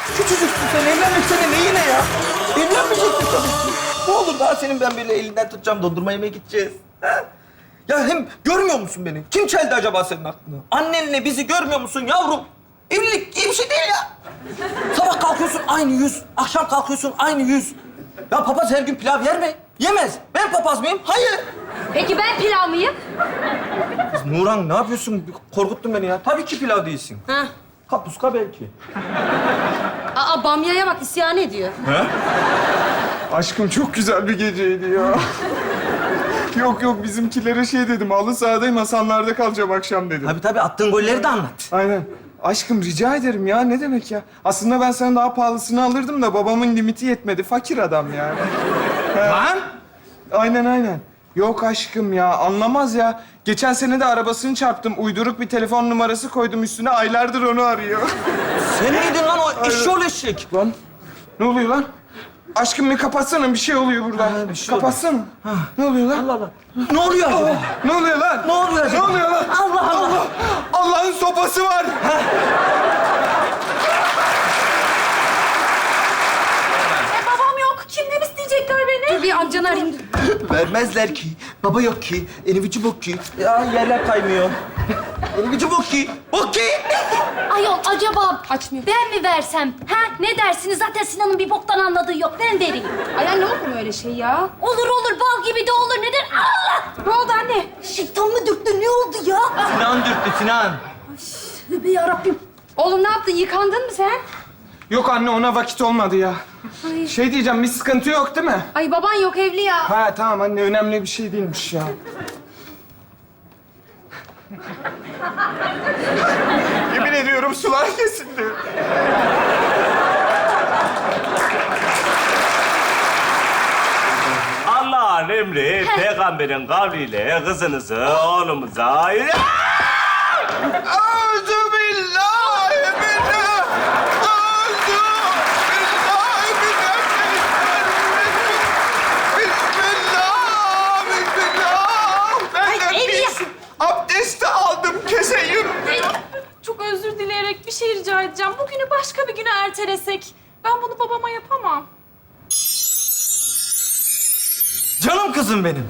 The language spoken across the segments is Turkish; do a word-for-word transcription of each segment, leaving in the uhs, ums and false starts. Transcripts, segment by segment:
Küçücüksün sen, evlenmeksene neyine ya? Evlenmeyeceksin tabii ki. Ne olur daha senin ben böyle elinden tutacağım, dondurma yemeye gideceğiz. Ha? Ya hem görmüyor musun beni? Kim çeldi acaba senin aklını? Annenle bizi görmüyor musun yavrum? Evlilik iyi bir şey değil ya. Sabah kalkıyorsun aynı yüz, akşam kalkıyorsun aynı yüz. Ya papaz her gün pilav yer mi? Yemez. Ben papaz mıyım? Hayır. Peki ben pilav mıyım? Kız Nurhan ne yapıyorsun? Korkuttun beni ya. Tabii ki pilav değilsin. Ha. Kapuska belki. Aa, bamyaya bak isyan ediyor. He? Aşkım çok güzel bir geceydi ya. Yok yok bizimkilere şey dedim. Halı sahadayım, Hasanlar'da kalacağım akşam dedim. Tabii tabii attığın golleri de anlat. Aynen. Aşkım rica ederim ya. Ne demek ya? Aslında ben sana daha pahalısını alırdım da babamın limiti yetmedi. Fakir adam yani. Lan! Aynen aynen. Yok aşkım ya. Anlamaz ya. Geçen sene de arabasını çarptım. Uyduruk bir telefon numarası koydum üstüne. Aylardır onu arıyor. Sen miydin lan o eşşoğlu eşek? Lan ne oluyor lan? Aşkım bir kapatsana. Bir şey oluyor burada. Ha, bir şey kapatsana. Ne oluyor lan? Allah Allah. Ne oluyor acaba? Ne oluyor lan? Ne oluyor acaba? Ne oluyor lan? Allah Allah. Allah'ın sopası var. E, babam yok. Kimden isteyecekler beni? Dur bir amcanı arayayım. Vermezler ki. Baba yok ki. Enivici bok ki. Ya yerler kaymıyor. Enivici bok ki. Bok ki. Ayol acaba Açmıyor. ben mi versem? Ha ne dersiniz? Zaten Sinan'ın bir boktan anladığı yok. Ben vereyim. Ay anne olur mu öyle şey ya? Olur olur bal gibi de olur. Neden? Allah! Ne oldu anne? Şeytan mı dürttü? Ne oldu ya? Sinan dürttü Sinan. Tövbe yarabbim. Oğlum ne yaptın? Yıkandın mı sen? Yok anne ona vakit olmadı ya. Ay. Şey diyeceğim bir sıkıntı yok değil mi? Ay baban yok evli ya. Ha tamam anne önemli bir şey değilmiş ya. Yemin ediyorum sular kesildi. Allah'ın emri peygamberin kavliyle kızınızı oğlumuza... Euzubillahimineşşeytanirracim. Bismillah, bismillah. Benden Ay, bir su abdesti aldım keseyim. Çok özür dileyerek bir şey rica edeceğim. Bugünü başka bir güne ertelesek. Ben bunu babama yapamam. Canım kızım benim.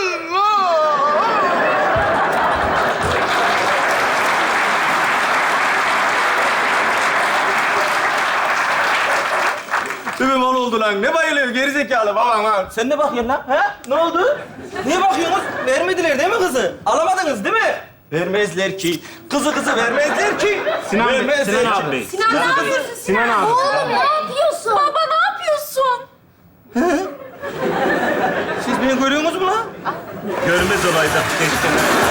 Değil mi mal oldu lan? Ne bayılıyor gerizekalı babam ha? Sen ne bakıyorsun lan? Ha? Ne oldu? Niye bakıyorsunuz? Vermediler değil mi kızı? Alamadınız değil mi? Vermezler ki. Kızı kızı vermezler ki. Sinan Bey, vermezler Sinan ki. abi Bey. Sinan ne yapıyorsun Sinan? Sinan abi. Oğlum ne yapıyorsun? Baba ne yapıyorsun? Siz beni görüyorsunuz mu lan? Görmez olaydı. Keşke.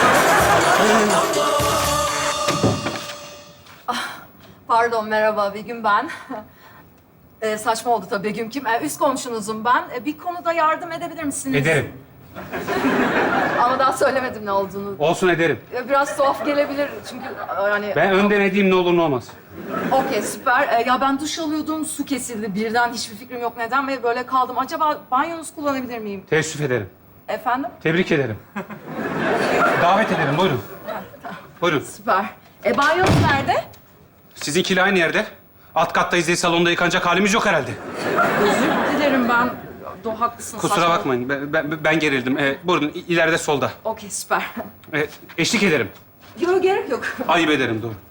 Pardon, merhaba. Begüm ben. Ee, saçma oldu tabii Begüm kim? Ee, üst komşunuzum ben. Ee, bir konuda yardım edebilir misiniz? Ederim. Ama daha söylemedim ne olduğunu. Olsun ederim. Ee, biraz tuhaf gelebilir çünkü e, yani... Ben önden edeyim ne olur ne olmaz. Okey, süper. Ee, ya ben duş alıyordum, su kesildi. Birden hiçbir fikrim yok neden ve böyle kaldım. Acaba banyonuzu kullanabilir miyim? Teessüf ederim. Efendim? Tebrik ederim. Davet ederim. Buyurun. Buyurun. Süper. E banyonuz nerede? Sizinkiyle aynı yerde. Alt kattayız diye salonda yıkanacak halimiz yok herhalde. Özür dilerim ben. Do haklısın. Kusura saçma. bakmayın. Ben, ben, ben gerildim. Ee, buyurun i- ileride solda. Okey, süper. Ee, eşlik ederim. Yok, gerek yok. Ayıp ederim doğru.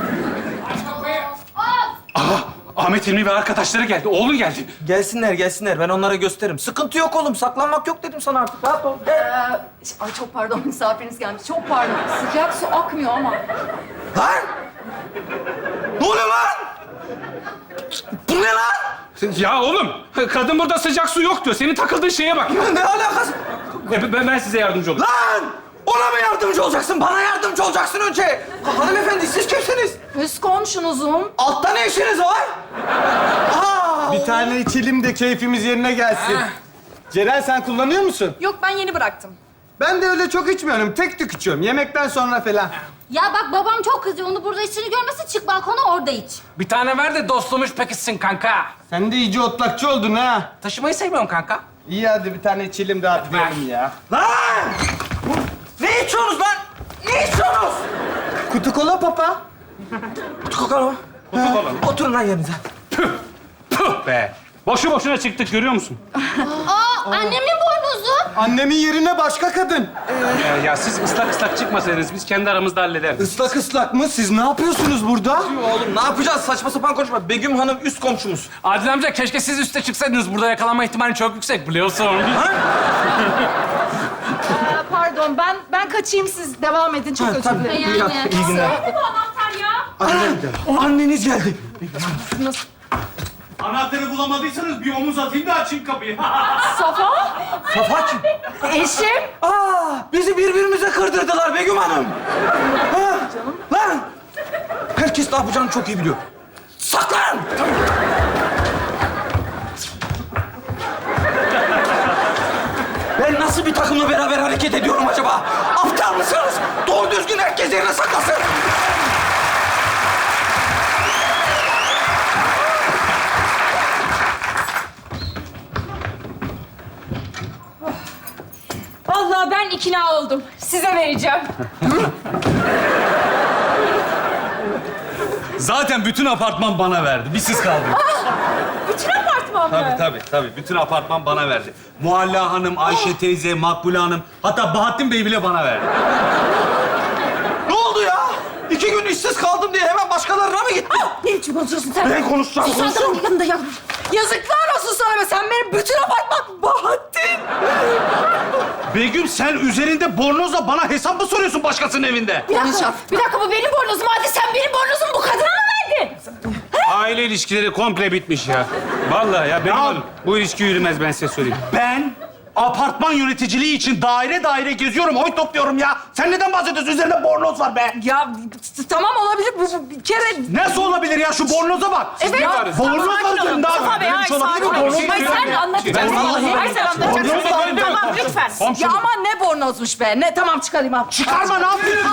Aha! Ahmet Hilmi ve arkadaşları geldi. Oğlun geldi. Gelsinler gelsinler ben onlara gösteririm. Sıkıntı yok oğlum saklanmak yok dedim sana artık. Rahat ol. Ee, Gel. ay çok pardon, misafiriniz gelmiş. Çok pardon. Sıcak su akmıyor ama. Lan! Ne oluyor lan? Bu ne lan? Ya oğlum! Kadın burada sıcak su yok diyor. Senin takıldığın şeye bak. Ya ne alakası? Ben, ben size yardımcı olayım. Lan! Ona mı yardımcı olacaksın? Bana yardımcı olacaksın önce. Ha, hanımefendi siz kimsiniz? Üst komşunuzum. Altta ne işiniz var? Aa! Bir tane içelim de keyfimiz yerine gelsin. Ceren sen kullanıyor musun? Yok ben yeni bıraktım. Ben de öyle çok içmiyorum. Tek tük içiyorum. Yemekten sonra falan. Ya bak babam çok kızıyor. Onu burada içini görmesin. Çık balkona orada iç. Bir tane ver de dostluğumuz pekişsin kanka. Sen de iyice otlakçı oldun ha. Taşımayı sevmiyorum kanka. İyi hadi bir tane içelim de atlayalım ya. Lan! Ne içiyorsunuz lan? Ne içiyorsunuz? Kutu kola papa. Kutu kola mı? Kutu kola mı? Oturun lan yerinize. Püh! Yok be. Boşu boşuna çıktık görüyor musun? Aa, annemin boynuzu. Annemin yerine başka kadın. Ee, ya siz ıslak ıslak çıkmasaydınız biz kendi aramızda hallederiz. Islak ıslak mı? Siz ne yapıyorsunuz burada? Oğlum ne yapacağız? Saçma sapan konuşma. Begüm Hanım üst komşumuz. Adil amca keşke siz üste çıksaydınız. Burada yakalanma ihtimali çok yüksek biliyorsun. Ee, pardon ben ben kaçayım siz devam edin çok özür dilerim. İyi, iyi günler. Bu anahtar ya. Anneniz geldi. Anahtarı bulamadıysanız bir omuz atayım da açayım kapıyı. Safa. Safa kim? Eşim. Aa, bizi birbirimize kırdırdılar Begüm Hanım. Ha, lan! Herkes ne yapacağını çok iyi biliyor. Saklan! Ben nasıl bir takımla beraber hareket ediyorum acaba? Aptal mısınız? Doğru düzgün herkes yerine saklasın. Vallahi ben ikna oldum. Size vereceğim. Zaten bütün apartman bana verdi. Bir siz kaldınız. Bütün apartman mı? Tabii tabii tabii. Bütün apartman bana verdi. Muhalla Hanım, Ayşe teyze, Makbule Hanım, hatta Bahattin Bey bile bana verdi. Ne oldu ya? İki gün işsiz kaldım diye hemen başkalarına mı gittin? Ne biçim konuşuyorsun sen? Ben konuşacağım, Sus, sen konuşacağım. de yanında ya. Yazıklar olsun sana be. Sen benim bütün apartman Bahattin. Begüm sen üzerinde bornozla bana hesap mı soruyorsun başkasının evinde? Bir dakika, bir dakika bu benim bornozum. Hadi sen benim bornozumu bu kadına mı verdin? Aile ilişkileri komple bitmiş ya. Vallahi ya benim oğlum, bu ilişki yürümez ben size söyleyeyim. Ben apartman yöneticiliği için daire daire geziyorum, oy topluyorum ya. Sen neden bahsediyorsun? Üzerinde bornoz var be. Ya t- tamam olabilir. Bu, bu bir kere... Nasıl olabilir ya? Şu bornoza bak. Evet. Bornoz var üzerinde abi. Safa Bey, Böyle bir hayır, şey olabilir mi? sakin olun. Bornoz Hayır, var. sen anlatacaksın. Hayır, sen anlatacaksın. Tamam, lütfen. Ya aman ne bornozmuş be. Ne tamam çıkarayım abi. Çıkarma ne yapıyorsun?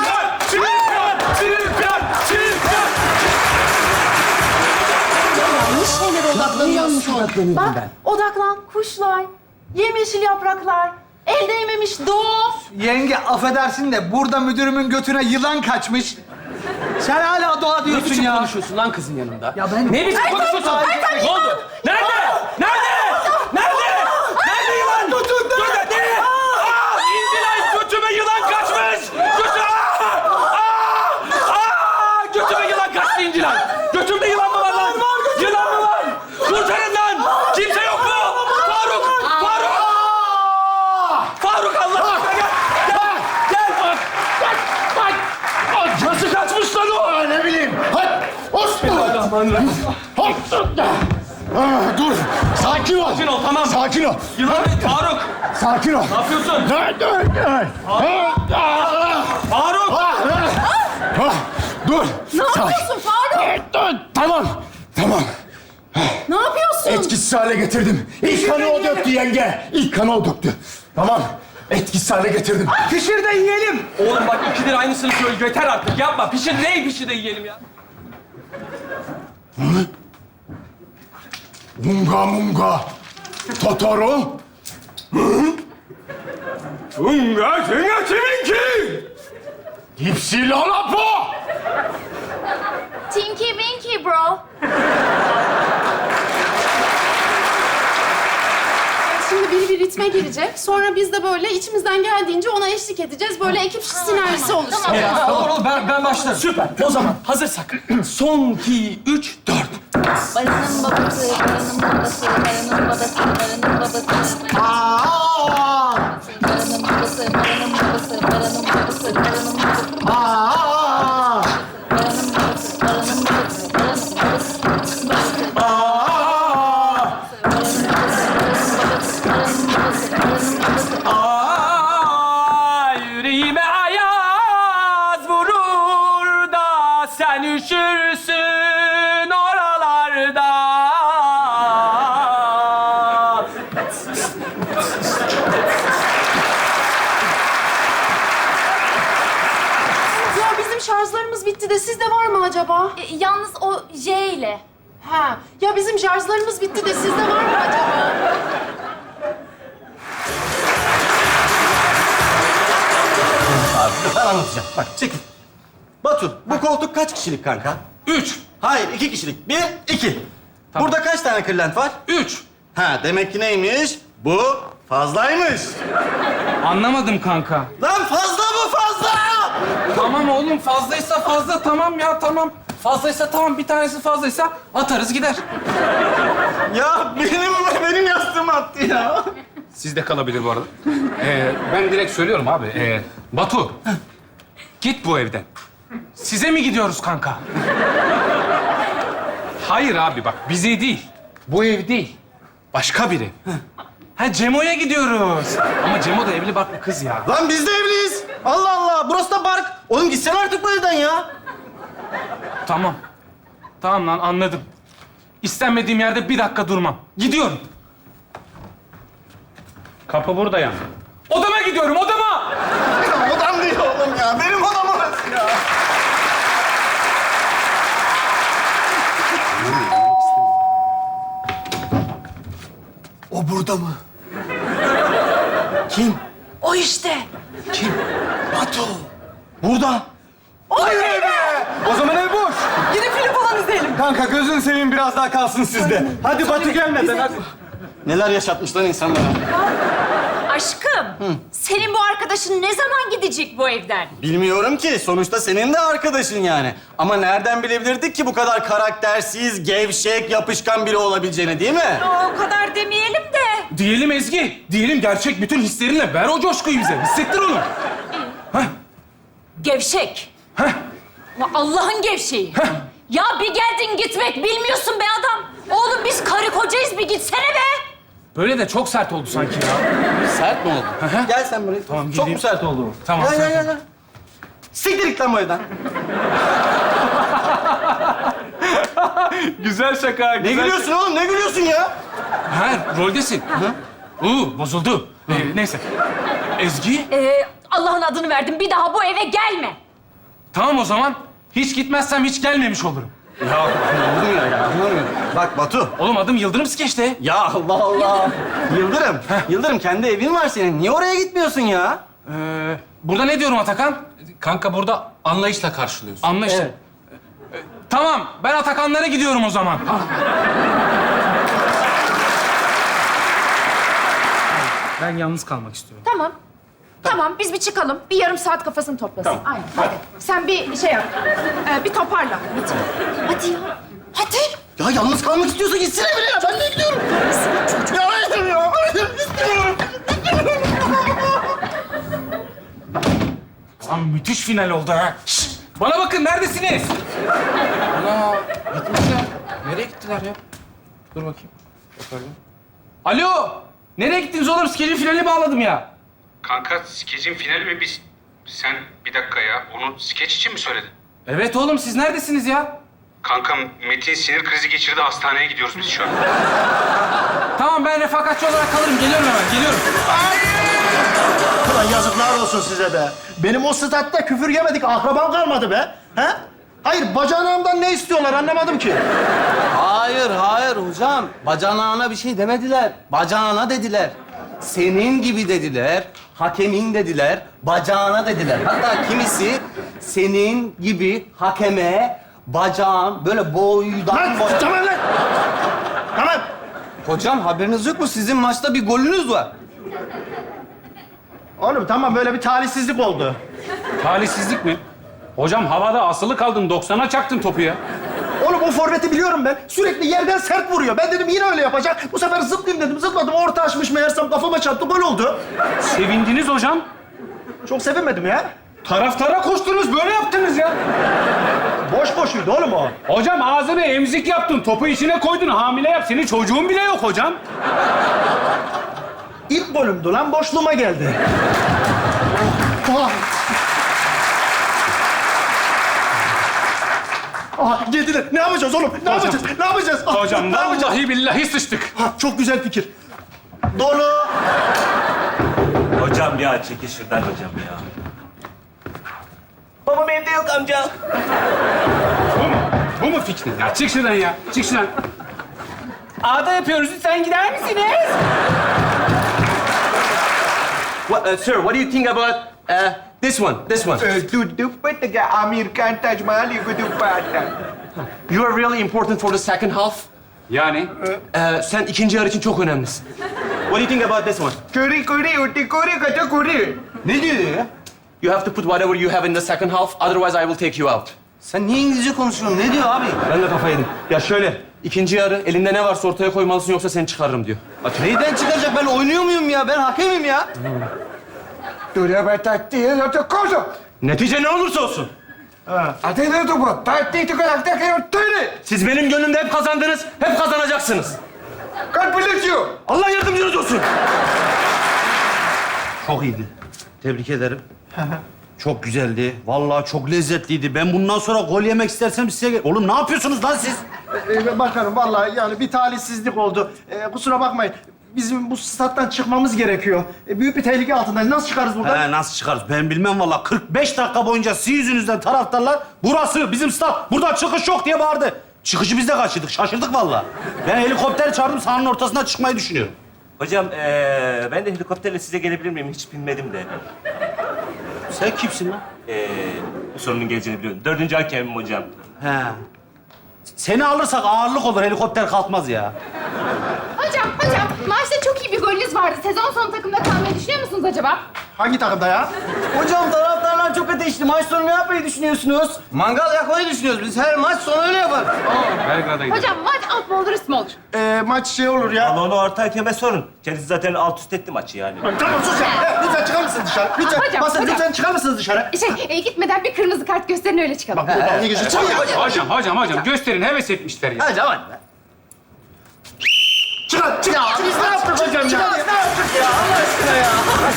Yanlış şeylere odaklanıyorsun. Bak odaklan. Kuşlar, yemyeşil yapraklar, el değmemiş doğa. Yenge affedersin de burada müdürümün götüne yılan kaçmış. Sen hala doğa diyorsun ya. konuşuyorsun lan kızın yanında? Ya ben... Ne biçim konuşuyorsun? Ne oldu? Nerede? Nerede? Nerede? Nerede yılan? Tutun da! Nerede? Aa! İncilay götüme yılan kaçmış! Götü! Aa! Aa! Aa! Götüme yılan kaçtı İncilay! Götümde yılan mı var lan? Yılan mı var? Kurtarın lan! Kimse yok mu? Faruk! Faruk! Faruk Allah aşkına gel! Gel! Gel bak! Bak! Bak! Bak! Nasıl kaçmış lan o? Ne bileyim. Hadi. Bismillahirrahmanirrahim. Hop. Ah, dur. Sakin ol. Sakin ol, tamam. Sakin ol. Yılan Faruk! Sakin ol. Ne yapıyorsun? Dur, dur, dur. Ah, Faruk! ah, ah. Dur. Ne yapıyorsun Faruk? Dur. Tamam. Tamam. Ne yapıyorsun? Etkisiz hale getirdim. İlk kanı o döktü yenge. İlk kanı o döktü. Tamam. Etkisiz hale getirdim. Pişir de yiyelim. Oğlum bak ikidir aynısını söyle. Yeter artık yapma. Pişir neyi pişir de yiyelim ya. Munga munga. Totoro. Unga senga kiminki? Hipsi lalapo. Tinky Winky bro. Şimdi biri bir ritme girecek. Sonra biz de böyle içimizden geldiğince ona eşlik edeceğiz. Böyle ekip sinerjisi oluşturacağız. Olur olur ben, ben başlarım. Süper. O zaman hazırsak. Son, iki, üç, dört. Baranın babası, baranın babası, baranın babası, baranın babası. Aa! Baranın babası, baranın babası, baranın babası, baranın babası. Aa! Baranın babası, baranın babası, baranın babası. Aa, yüreğime ayaz vurur da sen üşürsün oralarda. Ya bizim şarjlarımız bitti de sizde var mı acaba? E, yalnız o J ile. Ha. Ya bizim şarjlarımız bitti de sizde var mı acaba? Ben anlatacağım. Bak çekil. Batu, bu koltuk kaç kişilik kanka? Üç. Hayır, iki kişilik. Bir, iki. Burada kaç tane kırlent var? Üç. Ha, demek ki neymiş? Bu fazlaymış. Anlamadım kanka. Lan fazla mı fazla? Tamam oğlum fazlaysa fazla tamam ya tamam. Fazlaysa tamam bir tanesi fazlaysa atarız gider. Ya benim benim yastığım attı ya. Sizde kalabilir bu arada. Ee, ben direkt söylüyorum abi. Ee, Batu, git bu evden. Size mi gidiyoruz kanka? Hayır abi bak, bize değil. Bu ev değil. Başka biri. Ha Cemo'ya gidiyoruz. Ama Cemo da evli barklı kız ya. Lan biz de evliyiz. Allah Allah, burası da park. Oğlum gitsene artık bu evden ya. Tamam. Tamam lan anladım. İstenmediğim yerde bir dakika durmam. Gidiyorum. Kapı burada ya. Odama gidiyorum, odama! Odam değil oğlum ya. Benim odam orası ya. O burada mı? Kim? O işte. Kim? Batu. Burada. Hayır be! O zaman ev boş. Gidip film falan izleyelim. Kanka gözün seveyim biraz daha kalsın sizde. Hadi Batu gelmeden hadi. Neler yaşatmışlar insanlara. Aşkım, senin bu arkadaşın ne zaman gidecek bu evden? Bilmiyorum ki. Sonuçta senin de arkadaşın yani. Ama nereden bilebilirdik ki bu kadar karaktersiz, gevşek, yapışkan biri olabileceğini, değil mi? O kadar demeyelim de. Diyelim Ezgi, diyelim gerçek bütün hislerinle ver o coşkuyu bize. Hissettir onu. Gevşek. Ya Allah'ın gevşeği. Ya bir geldin gitmek bilmiyorsun be adam. Oğlum biz karı kocayız, bir gitsene be. Böyle de çok sert oldu sanki ya. Sert mi oldu? Gel sen buraya. Tamam, Çok gideyim. mu sert oldu? Tamam. Gel, sert gel, oldu. gel. Siktir git lan bu evden. Güzel şaka, Ne güzel gülüyorsun oğlum? Ne gülüyorsun ya? Ha, roldesin. Uuu, bozuldu. Ee, neyse. Ezgi, Ee, Allah'ın adını verdim, bir daha bu eve gelme. tamam o zaman. Hiç gitmezsem hiç gelmemiş olurum. Ya anlamıyorum ya, anlamıyorum. Bak Batu. Oğlum adım Yıldırım Skeç'te. Ya Allah Allah. Yıldırım. Yıldırım kendi evin var senin. Niye oraya gitmiyorsun ya? Ee, burada ne diyorum Atakan? Kanka burada anlayışla karşılıyorsun. Anlaştık. Evet. Ee, tamam, ben Atakanlara gidiyorum o zaman. Ben yalnız kalmak istiyorum. Tamam. Tamam, biz bir çıkalım. Bir yarım saat kafasını toplasın. Aynen, hadi. Sen bir şey yap. Ee, bir toparla. Hadi. Hadi ya. Hadi. Ya yalnız kalmak istiyorsa gitsene bile ya. Ben de gidiyorum. Ya hayır ya. Hayır istiyorum. Lan müthiş final oldu ha. Şşt! Bana bakın, neredesiniz? Ana gitmişler. Nereye gittiler ya? Dur bakayım. Bakalım. Alo! Nereye gittiniz oğlum? Skecin finali bağladım ya. Kanka skecin finali mi biz? Sen bir dakika ya, onu skeç için mi söyledin? Evet oğlum, siz neredesiniz ya? Kanka Metin sinir krizi geçirdi, hastaneye gidiyoruz biz şu an. Tamam, ben refakatçi olarak kalırım. Geliyorum hemen, geliyorum. Ulan yazıklar olsun size be. Benim o statta küfür yemedik, akrabam kalmadı be. He? Hayır, bacanağımdan ne istiyorlar anlamadım ki. Hayır, hayır hocam. Bacanağına bir şey demediler. Bacağına dediler. Senin gibi dediler. Hakemin dediler. Bacağına dediler. Hatta kimisi senin gibi hakeme bacağın böyle boydan Lan boya... tamam lan. Tamam. Hocam haberiniz yok mu? Sizin maçta bir golünüz var. Oğlum tamam, böyle bir talihsizlik oldu. Talihsizlik mi? Hocam havada asılı kaldın, doksana çaktın topu ya. Oğlum o forveti biliyorum ben. Sürekli yerden sert vuruyor. Ben dedim yine öyle yapacak. Bu sefer zıplayayım dedim. Zıpladım. Orta açmış meğersem kafama çarptı. Gol oldu. Sevindiniz hocam. Çok sevinmedim ya. Taraftara koştunuz, böyle yaptınız ya. Boş boşuydu oğlum o. Hocam ağzını emzik yaptın, topu içine koydun, hamile yap. Senin çocuğun bile yok hocam. İlk golümdü lan. Boşluğuma geldi. Ah. Aha geldiler. Ne yapacağız oğlum? Ne yapacağız? Ne yapacağız? Ah, Hocam ne yapacağız? vallahi billahi sıçtık. Ha, çok güzel fikir. Dolu. Hocam ya çekil şuradan hocam ya. Babam evde yok amca. Bu mu? Bu mu fikrin? Ya çık şuradan ya, çık şuradan. Ağda yapıyoruz, lütfen gider misiniz? What, uh, sir, what do you think about uh, this one? This one. Amerikan Taj Mahal You are really important for the second half. Yani? Ee, sen ikinci yarı için çok önemlisin. What do you think about this one? Kuri kuri uti kuri kata kuri. Ne diyor ya? You have to put whatever you have in the second half, otherwise I will take you out. Sen niye İngilizce konuşuyorsun? Ne diyor abi? Ben de kafayı yedim. Ya şöyle, ikinci yarı elinde ne varsa ortaya koymalısın yoksa seni çıkarırım diyor. Aç. Neyden çıkaracak? Ben oynuyor muyum ya? Ben hakemim ya. Dura batatti yoto koso. Netice ne olursa olsun. Atene topu. Tatti tukalakta kayo tüyle. Siz benim gönlümde hep kazandınız, hep kazanacaksınız. God bless you. Allah yardımcınız olsun. Çok iyiydi. Tebrik ederim. Çok güzeldi. Vallahi çok lezzetliydi. Ben bundan sonra gol yemek istersem size... gel- Oğlum ne yapıyorsunuz lan siz? Ee, bakanım vallahi yani bir talihsizlik oldu. Ee, kusura bakmayın. Bizim bu stat'tan çıkmamız gerekiyor. Ee, büyük bir tehlike altındayız. Nasıl çıkarız buradan? He, nasıl çıkarız? Ben bilmem vallahi. kırk beş dakika boyunca sizin yüzünüzden taraftarlar burası bizim stat. Buradan çıkış yok diye bağırdı. Çıkışı biz de kaçırdık. Şaşırdık vallahi. Ben helikopter çağırdım. Sahanın ortasına çıkmayı düşünüyorum. Hocam ee, ben de helikopterle size gelebilir miyim? Hiç bilmedim de. Sen kimsin lan? Ee, bu sorunun geleceğini biliyorum. Dördüncü hakemim hocam. He. Seni alırsak ağırlık olur. Helikopter kalkmaz ya. Hocam, hocam maçta çok iyi bir golünüz vardı. Sezon sonu takımda kalmayı düşünüyor musunuz acaba? Hangi takımda ya? Hocam taraftarlar çok ateşli. Maç sonu ne yapmayı düşünüyorsunuz? Mangal yakmayı düşünüyoruz. Biz her maç sonu öyle yaparız. Belgrad'a gidelim. Hocam maç alt mı olur, üst mü olur? Ee, maç şey olur ya. Ama onu orta hakeme sorun. Kendisi zaten alt üst etti maçı yani. Tamam sus ya. Ee, lütfen çıkar mısınız dışarı? Lütfen. Hocam, Basın hocam. lütfen çıkar mısınız dışarı? Şey, e, gitmeden bir kırmızı kart gösterin öyle çıkalım. Bak buradan ne geçiyor? Çık ya. Hocam, hocam, hocam. Gösterin, heves etmişler ya. Hocam hadi. Çıkar, çık. Ya biz ne yaptık hocam ya? Çıkar, ne yaptık ya? Allah aşkına ya.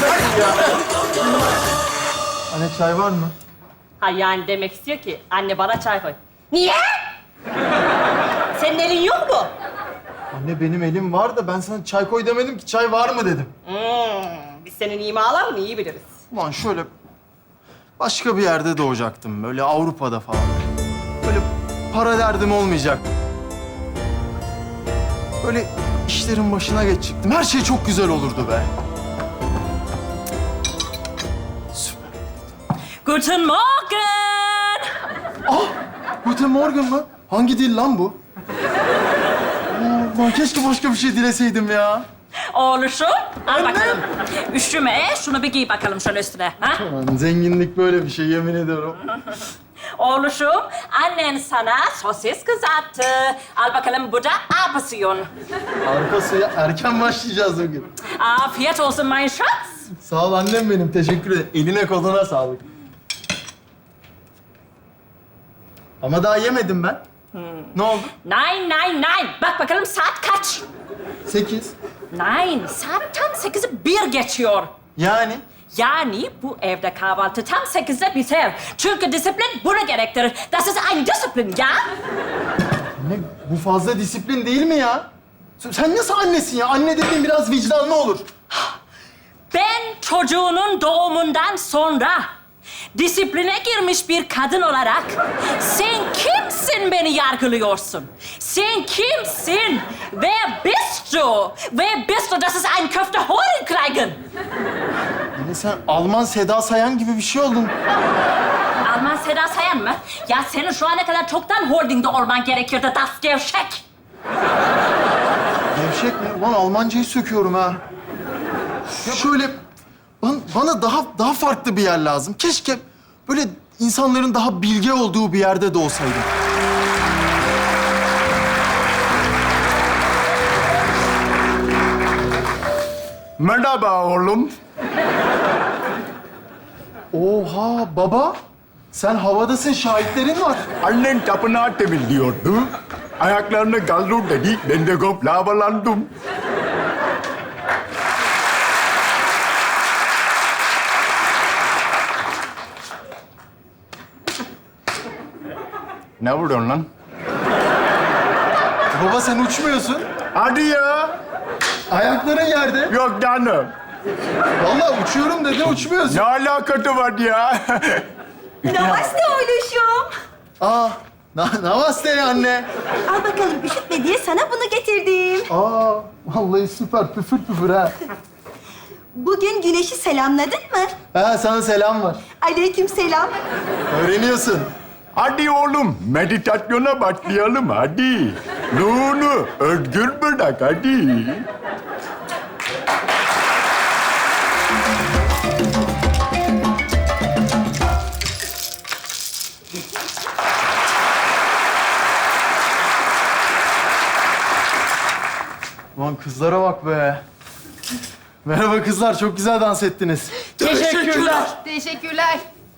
Anne çay var mı? Ha yani demek istiyor ki anne bana çay koy. Niye? Senin elin yok mu? Anne benim elim var da ben sana çay koy demedim ki çay var mı dedim. Hmm, biz senin imalarını iyi biliriz. Ulan şöyle başka bir yerde doğacaktım. Böyle Avrupa'da falan. Böyle para derdim olmayacak. Böyle işlerin başına geçecektim. Her şey çok güzel olurdu be. Süper. Guten Morgen! Ah! Guten Morgen mı? Hangi dil lan bu? Aa, lan keşke başka bir şey dileseydim ya. Oğluşum, al bakalım. Üşüme, şunu bir giy bakalım şöyle üstüne. Ha? Lan zenginlik böyle bir şey yemin ediyorum. Oğluşum, annen sana sosis kızarttı. Al bakalım bu da apasiyon. Arkası ya, erken başlayacağız bugün. Afiyet olsun mein Schatz. Sağ ol annem benim, teşekkür ederim. Eline koluna sağlık. Ama daha yemedim ben. Ne oldu? Nein, nein, nein. Bak bakalım saat kaç? Sekiz. Nein, saat tam sekizi bir geçiyor. Yani? Yani bu evde kahvaltı tam sekizde biter. Çünkü disiplin bunu gerektirir. Das ist ein Disiplin, ya? Ne, bu fazla disiplin değil mi ya? Sen- Sen nasıl annesin ya? Anne dediğin biraz vicdanlı olur. Ben çocuğunun doğumundan sonra disipline girmiş bir kadın olarak sen kimsin beni yargılıyorsun? Sen kimsin? Wer bist du? Wer bist du, dass es ein Köfte holen kriegen? Yani sen Alman Seda Sayan gibi bir şey oldun. Alman Seda Sayan mı? Ya senin şu ana kadar çoktan holdingde olman gerekiyordu, das gevşek. Gevşek mi? Ulan Almancayı söküyorum ha. Ya şöyle bana, bana daha daha farklı bir yer lazım. Keşke böyle insanların daha bilge olduğu bir yerde de olsaydım. Merhaba oğlum. Oha baba. Sen havadasın, şahitlerin var. Annen tapınağı temizliyordu. Ayaklarını galdur dedi. Ben de lavalandım. Ne vuruyorsun lan? Baba sen uçmuyorsun. Hadi ya. Ayakların yerde. Yok canım. Vallahi uçuyorum dedi, uçmuyorsun. Ne alakası var ya? Namaste oğluşum. Aa, na namaste anne. Al bakalım üşütme diye sana bunu getirdim. Aa, vallahi süper, püfür püfür ha. Bugün güneşi selamladın mı? Ha, sana selam var. Aleyküm selam. Öğreniyorsun. Hadi oğlum, meditasyona başlayalım hadi. Ruhunu özgür bırak hadi. Ulan kızlara bak be. Merhaba kızlar, çok güzel dans ettiniz. Teşekkürler. Teşekkürler.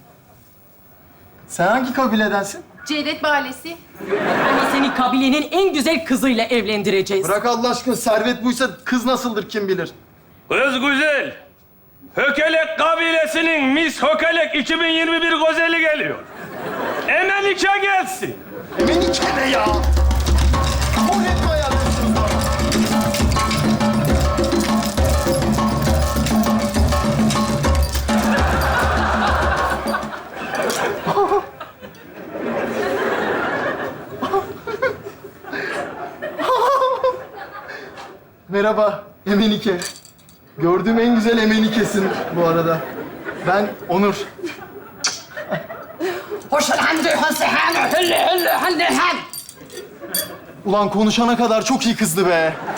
Sen hangi kabiledensin? Cevdet Mahallesi. Ama seni kabilenin en güzel kızıyla evlendireceğiz. Bırak Allah aşkına, servet buysa kız nasıldır kim bilir. Kız güzel. Hökelek kabilesinin Miss Hökelek iki bin yirmi bir gözeli geliyor. Hemen nikah gelsin. Menike ne ya? Kabul etme hayatım. Merhaba Emenike. Gördüğüm en güzel Emenike'sin bu arada. Ben Onur. Ulan konuşana kadar çok iyi kızdı be.